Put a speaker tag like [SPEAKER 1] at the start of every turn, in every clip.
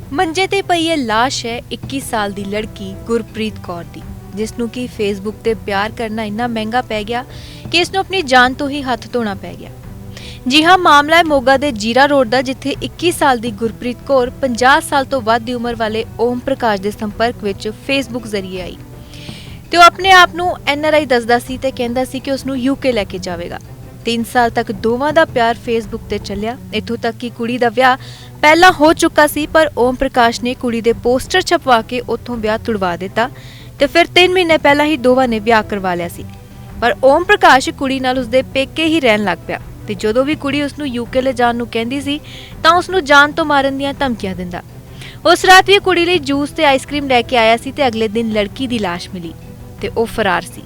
[SPEAKER 1] ਮੰਜੇ ਤੇ ਪਈ ਇਹ ਲਾਸ਼ ਹੈ 21 ਸਾਲ ਦੀ ਲੜਕੀ ਗੁਰਪ੍ਰੀਤ ਕੌਰ ਦੀ, ਜਿਸ ਨੂੰ ਕਿ ਫੇਸਬੁੱਕ ਤੇ ਪਿਆਰ ਕਰਨਾ ਇੰਨਾ ਮਹਿੰਗਾ ਪੈ ਗਿਆ ਕਿ ਇਸ ਨੂੰ ਆਪਣੀ ਜਾਨ ਤੋਂ ਹੀ ਹੱਥ ਧੋਣਾ ਪੈ ਗਿਆ। ਜੀ ਹਾਂ, ਮਾਮਲਾ ਹੈ ਮੋਗਾ ਦੇ ਜੀਰਾ ਰੋਡ ਦਾ, ਜਿੱਥੇ 21 ਸਾਲ ਦੀ ਗੁਰਪ੍ਰੀਤ ਕੌਰ 50 ਸਾਲ ਤੋਂ ਵੱਧ ਦੀ ਉਮਰ ਵਾਲੇ ਓਮ ਪ੍ਰਕਾਸ਼ ਦੇ ਸੰਪਰਕ ਵਿੱਚ ਫੇਸਬੁੱਕ ਜ਼ਰੀਏ ਆਈ ਤੇ ਉਹ ਆਪਣੇ ਆਪ ਨੂੰ NRI ਦੱਸਦਾ ਸੀ ਤੇ ਕਹਿੰਦਾ ਸੀ ਕਿ ਉਸ ਨੂੰ UK ਲੈ ਕੇ ਜਾਵੇਗਾ। 3 ਸਾਲ ਤੱਕ ਦੋਵਾਂ ਦਾ ਪਿਆਰ ਫੇਸਬੁੱਕ ਤੇ ਚੱਲਿਆ, ਇੱਥੋਂ ਤੱਕ ਕਿ ਕੁੜੀ ਦਾ ਵਿਆਹ ਪਹਿਲਾਂ ਹੋ ਚੁੱਕਾ ਸੀ, ਪਰ ਓਮ ਪ੍ਰਕਾਸ਼ ਨੇ ਕੁੜੀ ਦੇ ਪੋਸਟਰ ਛਪਵਾ ਕੇ ਉੱਥੋਂ ਵਿਆਹ ਤੁੜਵਾ ਦਿੱਤਾ ਤੇ ਫਿਰ 3 ਮਹੀਨੇ ਪਹਿਲਾਂ ਹੀ ਦੋਵਾਂ ਨੇ ਵਿਆਹ ਕਰਵਾ ਲਿਆ ਸੀ। ਪਰ ਓਮ ਪ੍ਰਕਾਸ਼ ਕੁੜੀ ਨਾਲ ਉਸਦੇ ਪੇਕੇ ਹੀ ਰਹਿਣ ਲੱਗ ਪਿਆ ਤੇ ਜਦੋਂ ਵੀ ਕੁੜੀ ਉਸ ਨੂੰ UK ਲੈ ਜਾਣ ਨੂੰ ਕਹਿੰਦੀ ਸੀ ਤਾਂ ਉਸ ਨੂੰ ਜਾਨ ਤੋਂ ਮਾਰਨ ਦੀਆਂ ਧਮਕੀਆਂ ਦਿੰਦਾ। ਉਸ ਰਾਤ ਵੀ ਕੁੜੀ ਲਈ ਜੂਸ ਤੇ ਆਈਸਕ੍ਰੀਮ ਲੈ ਕੇ ਆਇਆ ਸੀ ਤੇ ਅਗਲੇ ਦਿਨ ਲੜਕੀ ਦੀ ਲਾਸ਼ ਮਿਲੀ ਤੇ ਉਹ ਫਰਾਰ ਸੀ।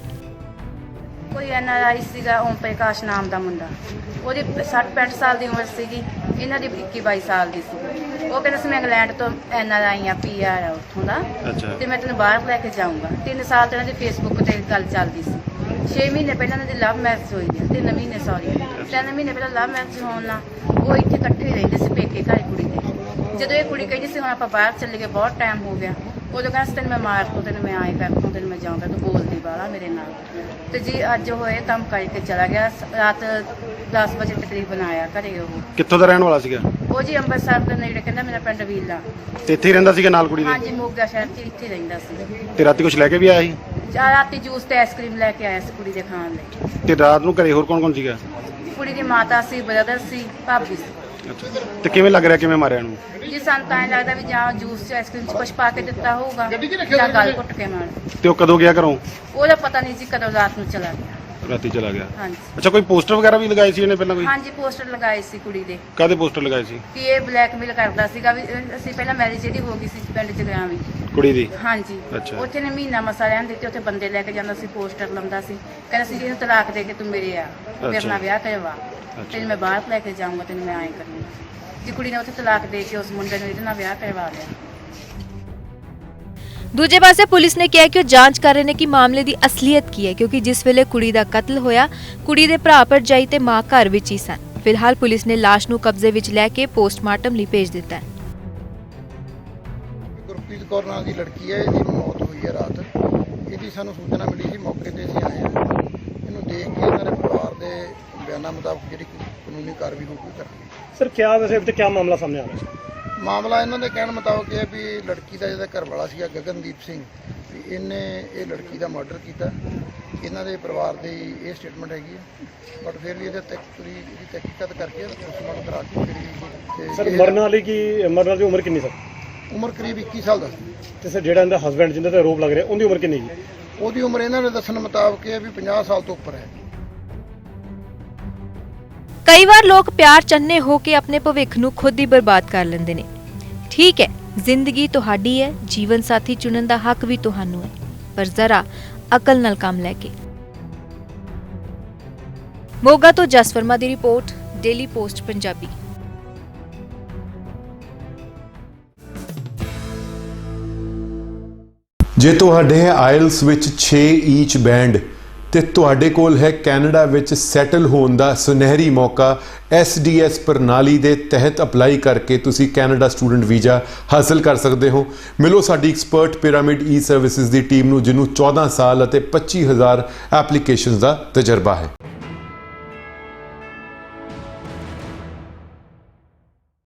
[SPEAKER 2] ਕੋਈ NRI ਸੀਗਾ ਓਮ ਪ੍ਰਕਾਸ਼ ਨਾਮ ਦਾ ਮੁੰਡਾ, ਉਹਦੀ 60-65 ਸਾਲ ਦੀ ਉਮਰ ਸੀਗੀ, ਇਹਨਾਂ ਦੀ 21-22 ਸਾਲ ਦੀ ਸੀ। ਉਹ ਕਹਿੰਦਾ ਸੀ ਮੈਂ ਇੰਗਲੈਂਡ ਤੋਂ NRI ਆ, PR ਆ ਉੱਥੋਂ ਦਾ, ਤੇ ਮੈਂ ਤੈਨੂੰ ਬਾਹਰ ਲੈ ਕੇ ਜਾਊਂਗਾ। 3 ਸਾਲ ਤੋਂ ਇਹਨਾਂ ਦੀ ਫੇਸਬੁੱਕ ਤੇ ਗੱਲ ਚੱਲਦੀ ਸੀ। 6 ਮਹੀਨੇ ਪਹਿਲਾਂ ਇਹਨਾਂ ਦੀ ਲਵ ਮੈਰਿਜ ਹੋਈ ਹੈ, 3 ਮਹੀਨੇ 3 ਮਹੀਨੇ ਪਹਿਲਾਂ ਲਵ ਮੈਰਿਜ ਹੋਣ ਨਾਲ ਉਹ ਇੱਥੇ ਇਕੱਠੇ ਰਹਿੰਦੇ ਸੀ ਪੇਕੇ ਘਰ ਕੁੜੀ ਦੇ। ਜਦੋਂ ਇਹ ਕੁੜੀ ਕਹਿੰਦੀ ਸੀ ਹੁਣ ਆਪਾਂ ਬਾਹਰ ਚੱਲੇ ਗਏ, ਬਹੁਤ ਟਾਈਮ ਹੋ ਗਿਆ, ਉਦੋਂ ਕਹਿੰਦਾ ਤੈਨੂੰ ਮੈਂ ਮਾਰ ਦੂੰ, ਤੈਨੂੰ ਮੈਂ ਆਏ ਕਰ ਦੂੰ, ਤੈਨੂੰ ਮੈਂ ਜਾਊਂਗਾ, ਤੂੰ ਬੋਲਦੀ ਬਾਹਲਾ ਮੇਰੇ ਨਾਲ। ਤੇ ਜੀ ਅੱਜ ਹੋਏ ਕੰਮ ਕਰਕੇ ਚਲਾ ਗਿਆ, ਰਾਤ 10 ਵਜੇ ਤਕਰੀਬਨ ਆਇਆ ਘਰੇ। ਉਹ
[SPEAKER 3] ਕਿੱਥੋਂ ਦਾ ਰਹਿਣ ਵਾਲਾ ਸੀਗਾ?
[SPEAKER 2] ਉਹ ਜੀ ਅੰਮ੍ਰਿਤਸਰ ਦੇ ਨੇੜੇ, ਕਹਿੰਦਾ ਮੇਰਾ ਪਿੰਡ ਵੀਲਾ।
[SPEAKER 3] ਤੇ ਇੱਥੇ ਹੀ ਰਹਿੰਦਾ ਸੀਗਾ ਨਾਲ ਕੁੜੀ ਦੇ?
[SPEAKER 2] ਹਾਂਜੀ, ਮੋਗਾ ਸ਼ਹਿਰ 'ਚ ਇੱਥੇ ਰਹਿੰਦਾ ਸੀ।
[SPEAKER 3] ਤੇ ਰਾਤੀ ਕੁਝ ਲੈ ਕੇ ਵੀ ਆਇਆ ਸੀ?
[SPEAKER 2] ਰਾਤੀ ਜੂਸ ਤੇ ਆਈਸਕ੍ਰੀਮ ਲੈ ਕੇ ਆਇਆ ਸੀ ਕੁੜੀ ਦੇ ਖਾਣ ਲਈ।
[SPEAKER 3] ਤੇ ਰਾਤ ਨੂੰ ਘਰੇ ਹੋਰ ਕੌਣ ਸੀਗਾ?
[SPEAKER 2] ਕੁੜੀ ਦੀ ਮਾਤਾ ਸੀ, ਬ੍ਰਦਰ ਸੀ, ਭਾਬੀ ਸੀ।
[SPEAKER 3] ਅੱਛਾ, ਤੇ ਕਿਵੇਂ ਲੱਗ ਰਿਹਾ ਕਿਵੇਂ ਮਾਰਿਆ ਨੂੰ?
[SPEAKER 2] ਜੀ ਸਾਨੂੰ ਤਾਂ ਐਂ ਲੱਗਦਾ ਵੀ ਜਾਂ ਜੂਸ ਚ ਆਈਸਕ੍ਰੀਮ ਚ ਕੁਛ ਪਾ ਕੇ ਦਿੱਤਾ ਹੋਊਗਾ ਜਾਂ ਗਲ ਘੁੱਟ ਕੇ ਮਾਰ।
[SPEAKER 3] ਤੇ ਉਹ ਕਦੋਂ ਗਿਆ ਘਰੋਂ?
[SPEAKER 2] ਉਹਦਾ ਪਤਾ ਨਹੀਂ ਜੀ, ਕਦੋਂ ਰਾਤ ਨੂੰ ਚਲਾ ਗਿਆ।
[SPEAKER 3] ਰਾਤੀ ਚਲਾ ਗਿਆ।
[SPEAKER 2] ਹਾਂਜੀ।
[SPEAKER 3] ਅੱਛਾ, ਕੋਈ ਪੋਸਟਰ ਵਗੈਰਾ ਵੀ ਲਗਾਏ ਸੀ ਇਹਨੇ ਪਹਿਲਾਂ ਕੋਈ?
[SPEAKER 2] ਹਾਂਜੀ, ਪੋਸਟਰ ਲਗਾਏ ਸੀ ਕੁੜੀ ਦੇ।
[SPEAKER 3] ਕਾਹਦੇ ਪੋਸਟਰ ਲਗਾਏ ਸੀ?
[SPEAKER 2] ਕਿ ਇਹ ਬਲੈਕਮੇਲ ਕਰਦਾ ਸੀਗਾ ਵੀ ਅਸੀਂ ਪਹਿਲਾਂ ਮੈਰਿਜ ਇਹਦੀ ਹੋ ਗਈ ਸੀ ਪਿੰਡ ਜਗਰਾਵੀ
[SPEAKER 3] ਕੁੜੀ ਦੀ।
[SPEAKER 2] ਹਾਂਜੀ।
[SPEAKER 3] ਅੱਛਾ।
[SPEAKER 2] ਉੱਥੇ ਨੇ ਮਹੀਨਾ ਮਸਾ ਰਹਿਣ ਦਿੱਤੇ, ਉੱਥੇ ਬੰਦੇ ਲੈ ਕੇ ਜਾਂਦਾ ਸੀ, ਪੋਸਟਰ ਲਾਉਂਦਾ ਸੀ, ਕਹਿੰਦਾ ਸੀ ਇਹਨੂੰ ਤਲਾਕ ਦੇ ਕੇ ਤੂੰ ਮੇਰੇ ਆ ਮੇਰੇ ਨਾਲ ਵਿਆਹ ਕਰਵਾ, ਤੈਨੂੰ ਮੈਂ ਬਾਹਰ ਲੈ ਕੇ ਜਾਊਂਗਾ, ਤੈਨੂੰ ਮੈਂ ਆਏਂ ਕਰੂੰਗਾ। ਜੀ ਕੁੜੀ ਨੇ ਉੱਥੇ ਤਲਾਕ ਦੇ ਕੇ ਉਸ ਮੁੰਡੇ ਨੂੰ ਇਹਦੇ ਨਾਲ ਵਿਆਹ ਕਰਵਾ ਲਿਆ।
[SPEAKER 1] ਦੂਜੇ ਪਾਸੇ ਪੁਲਿਸ ਨੇ ਕਿਹਾ ਕਿ ਉਹ ਜਾਂਚ ਕਰ ਰਹੇ ਨੇ ਕਿ ਮਾਮਲੇ ਦੀ ਅਸਲੀਅਤ ਕੀ ਹੈ, ਕਿਉਂਕਿ ਜਿਸ ਵੇਲੇ ਕੁੜੀ ਦਾ ਕਤਲ ਹੋਇਆ ਕੁੜੀ ਦੇ ਭਰਾ ਭਰਜਾਈ ਤੇ ਮਾਂ ਘਰ ਵਿੱਚ ਹੀ ਸਨ। ਫਿਲਹਾਲ ਪੁਲਿਸ ਨੇ ਲਾਸ਼ ਨੂੰ ਕਬਜ਼ੇ ਵਿੱਚ ਲੈ ਕੇ ਪੋਸਟਮਾਰਟਮ ਲਈ ਭੇਜ ਦਿੱਤਾ ਹੈ।
[SPEAKER 4] ਗੁਰਪ੍ਰੀਤ ਕੌਰ ਨਾਂ ਦੀ ਲੜਕੀ ਹੈ, ਇਹਦੀ ਮੌਤ ਹੋਈ ਹੈ ਰਾਤ। ਇਹਦੀ ਸਾਨੂੰ ਸੂਚਨਾ ਮਿਲੀ ਸੀ, ਮੌਕੇ ਤੇ ਅਸੀਂ ਆਏ ਹਾਂ। ਇਹਨੂੰ ਦੇਖ ਕੇ ਇਹਨਾਂ ਦੇ ਪਰਿਵਾਰ ਦੇ ਬਿਆਨਾਂ ਮੁਤਾਬਕ ਜਿਹੜੀ ਕਾਨੂੰਨੀ ਕਾਰਵਾਈ ਹੋਊਗੀ ਕਰਾਂਗੇ।
[SPEAKER 5] ਸਰ ਕਿਆ ਵੈਸੇ ਅਬ ਤੱਕ ਕਿਆ ਮਾਮਲਾ ਸਾਹਮਣੇ ਆ ਰਿਹਾ ਹੈ?
[SPEAKER 4] ਮਾਮਲਾ ਇਹਨਾਂ ਦੇ ਕਹਿਣ ਮੁਤਾਬਕ ਇਹ ਹੈ ਵੀ ਲੜਕੀ ਦਾ ਜਿਹੜਾ ਘਰ ਵਾਲਾ ਸੀਗਾ ਗਗਨਦੀਪ ਸਿੰਘ, ਵੀ ਇਹਨੇ ਇਹ ਲੜਕੀ ਦਾ ਮਰਡਰ ਕੀਤਾ। ਇਹਨਾਂ ਦੇ ਪਰਿਵਾਰ ਦੀ ਇਹ ਸਟੇਟਮੈਂਟ ਹੈਗੀ ਹੈ, ਬਟ ਫਿਰ ਵੀ ਇਹਦੀ ਤਹਿਕੀਕਾਤ ਕਰਕੇ ਪੋਸਟਮਾਰਟਮ ਕਰਾ ਕੇ
[SPEAKER 5] ਸਰ ਮਰਨ ਵਾਲੀ ਦੀ ਉਮਰ ਕਿੰਨੀ ਸਰ?
[SPEAKER 4] ਉਮਰ ਕਰੀਬ 21 ਸਾਲ ਦਾ ਸੀ।
[SPEAKER 5] ਤੇ ਸਰ ਜਿਹੜਾ ਇਹਦਾ ਹਸਬੈਂਡ ਜਿਹਦੇ ਤੇ ਆਰੋਪ ਲੱਗ ਰਿਹਾ ਉਹਦੀ ਉਮਰ ਕਿੰਨੀ ਹੈ?
[SPEAKER 4] ਉਹਦੀ ਉਮਰ ਇਹਨਾਂ ਦੇ ਦੱਸਣ ਮੁਤਾਬਕ ਇਹ ਹੈ ਵੀ 50 ਸਾਲ ਤੋਂ ਉੱਪਰ ਹੈ।
[SPEAKER 1] ਕਈ ਵਾਰ ਲੋਕ ਪਿਆਰ ਚੰਨੇ ਹੋ ਕੇ ਆਪਣੇ ਭਵਿੱਖ ਨੂੰ ਖੁਦ ਹੀ ਬਰਬਾਦ ਕਰ ਲੈਂਦੇ ਨੇ। ਠੀਕ ਹੈ, ਜ਼ਿੰਦਗੀ ਤੁਹਾਡੀ ਹੈ, ਜੀਵਨ ਸਾਥੀ ਚੁਣਨ ਦਾ ਹੱਕ ਵੀ ਤੁਹਾਨੂੰ ਹੈ, ਪਰ ਜ਼ਰਾ ਅਕਲ ਨਾਲ ਕੰਮ ਲੈ ਕੇ। ਮੋਗਾ ਤੋਂ ਜਸ ਵਰਮਾ ਦੀ ਰਿਪੋਰਟ, ਡੇਲੀ ਪੋਸਟ ਪੰਜਾਬੀ।
[SPEAKER 6] ਜੇ ਤੁਹਾਡੇ ਆਇਲਸ ਵਿੱਚ 6 ਈਚ ਬੈਂਡ ਤੇ ਤੁਹਾਡੇ ਕੋਲ ਹੈ ਕੈਨੇਡਾ ਵਿੱਚ ਸੈਟਲ ਹੋਣ ਦਾ ਸੁਨਹਿਰੀ ਮੌਕਾ, SDS ਪ੍ਰਣਾਲੀ ਦੇ ਤਹਿਤ ਅਪਲਾਈ ਕਰਕੇ ਤੁਸੀਂ ਕੈਨੇਡਾ ਸਟੂਡੈਂਟ ਵੀਜ਼ਾ ਹਾਸਲ ਕਰ ਸਕਦੇ ਹੋ। ਮਿਲੋ ਸਾਡੀ ਐਕਸਪਰਟ ਪਿਰਾਮਿਡ ਈ ਸਰਵਿਸਿਜ਼ ਦੀ ਟੀਮ ਨੂੰ, ਜਿਹਨੂੰ 14 ਸਾਲ ਅਤੇ 25,000 ਐਪਲੀਕੇਸ਼ਨਸ ਦਾ ਤਜਰਬਾ ਹੈ।